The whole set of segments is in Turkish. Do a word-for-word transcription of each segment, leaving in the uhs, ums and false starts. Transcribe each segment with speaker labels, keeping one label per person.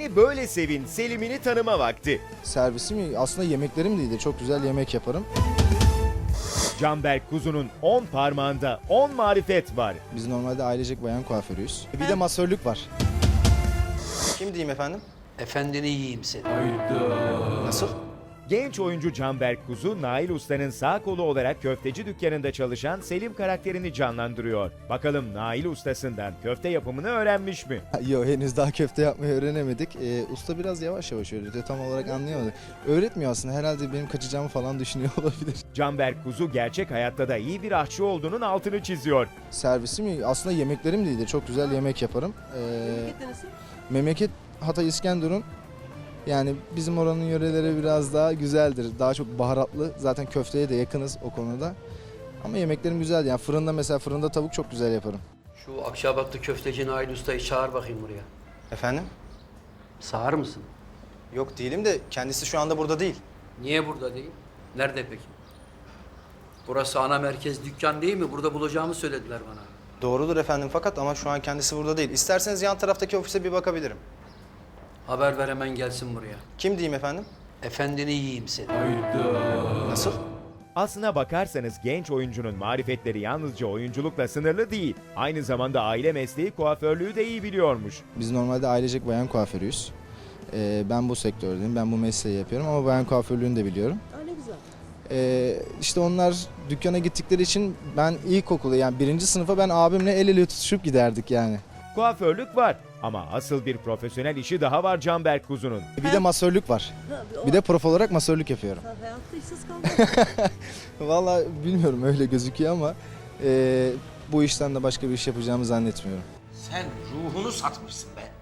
Speaker 1: Beni Böyle Sevin Selim'ini tanıma vakti.
Speaker 2: Servisim aslında yemeklerim de iyi de çok güzel yemek yaparım.
Speaker 1: Canberk Kuzu'nun on parmağında on marifet var.
Speaker 2: Biz normalde ailecek bayan kuaförüyüz. Bir de masörlük var.
Speaker 3: Kim diyeyim efendim?
Speaker 4: Efendini yiyeyim seni.
Speaker 3: Nasıl?
Speaker 1: Genç oyuncu Canberk Kuzu, Nail Usta'nın sağ kolu olarak köfteci dükkanında çalışan Selim karakterini canlandırıyor. Bakalım Nail Ustası'ndan köfte yapımını öğrenmiş mi?
Speaker 2: Yok, henüz daha köfte yapmayı öğrenemedik. Ee, usta biraz yavaş yavaş öğretiyor. Tam olarak anlayamadık. Öğretmiyor aslında. Herhalde benim kaçacağımı falan düşünüyor olabilir.
Speaker 1: Canberk Kuzu gerçek hayatta da iyi bir aşçı olduğunun altını çiziyor.
Speaker 2: Servisim aslında yemeklerim de iyi de çok güzel yemek yaparım. Ee, memleket Hatay İskenderun. Yani bizim oranın yöreleri biraz daha güzeldir. Daha çok baharatlı. Zaten köfteye de yakınız o konuda. Ama yemeklerim güzel. Yani fırında mesela fırında tavuk çok güzel yaparım.
Speaker 4: Şu Akçabatlı köfteci Nail Usta'yı çağır bakayım buraya.
Speaker 3: Efendim?
Speaker 4: Sağır mısın?
Speaker 3: Yok değilim de kendisi şu anda burada değil.
Speaker 4: Niye burada değil? Nerede peki? Burası ana merkez dükkan değil mi? Burada bulacağımı söylediler bana.
Speaker 3: Doğrudur efendim fakat ama şu an kendisi burada değil. İsterseniz yan taraftaki ofise bir bakabilirim.
Speaker 4: Haber ver hemen gelsin buraya.
Speaker 3: Kim diyeyim efendim?
Speaker 4: Efendini yiyeyim seni.
Speaker 3: Nasıl?
Speaker 1: Aslına bakarsanız genç oyuncunun marifetleri yalnızca oyunculukla sınırlı değil. Aynı zamanda aile mesleği kuaförlüğü de iyi biliyormuş.
Speaker 2: Biz normalde ailecek bayan kuaförüyüz. Ee, ben bu sektördeyim, ben bu mesleği yapıyorum ama bayan kuaförlüğünü de biliyorum.
Speaker 5: Aa, ne güzel.
Speaker 2: Ee, işte onlar dükkana gittikleri için ben ilkokulu yani birinci sınıfa ben abimle el ele tutuşup giderdik yani.
Speaker 1: Kuaförlük var ama asıl bir profesyonel işi daha var Canberk Kuzu'nun.
Speaker 2: Bir de masörlük var.
Speaker 5: Ha, o-
Speaker 2: Bir de prof olarak masörlük yapıyorum.
Speaker 5: Ha, hayatta işsiz kalmadın.
Speaker 2: Vallahi bilmiyorum öyle gözüküyor ama e, bu işten de başka bir iş yapacağımı zannetmiyorum.
Speaker 6: Sen ruhunu satmışsın be.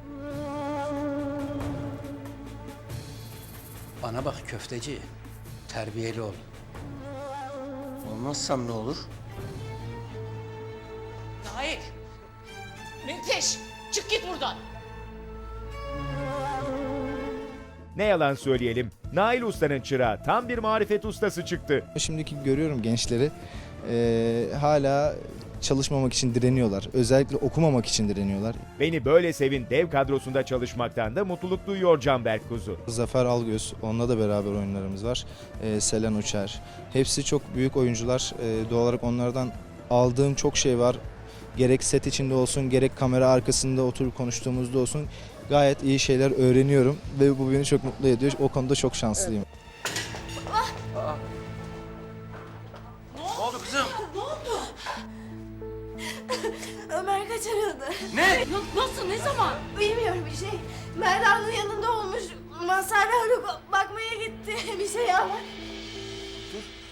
Speaker 4: Bana bak köfteci. Terbiyeli ol.
Speaker 6: Olmazsam ne olur?
Speaker 7: Nail! Menteş! Çık git buradan!
Speaker 1: Ne yalan söyleyelim, Nail Usta'nın çırağı tam bir marifet ustası çıktı.
Speaker 2: Şimdiki görüyorum gençleri e, hala çalışmamak için direniyorlar. Özellikle okumamak için direniyorlar.
Speaker 1: Beni Böyle Sevin dev kadrosunda çalışmaktan da mutluluk duyuyor Canberk Kuzu.
Speaker 2: Zafer Algöz, onunla da beraber oyunlarımız var. E, Selen Uçer. Hepsi çok büyük oyuncular. E, doğal olarak onlardan aldığım çok şey var. Gerek set içinde olsun, gerek kamera arkasında oturup konuştuğumuzda olsun. Gayet iyi şeyler öğreniyorum ve bu beni çok mutlu ediyor. O konuda çok şanslıyım.
Speaker 6: Ne oldu kızım?
Speaker 8: Ömer kaçırıldı.
Speaker 6: Ne?
Speaker 7: Nasıl? Ne zaman?
Speaker 8: Bilmiyorum bir şey. Merda'nın yanında olmuş. Mazhar Haluk bakmaya gitti. Bir şey ama.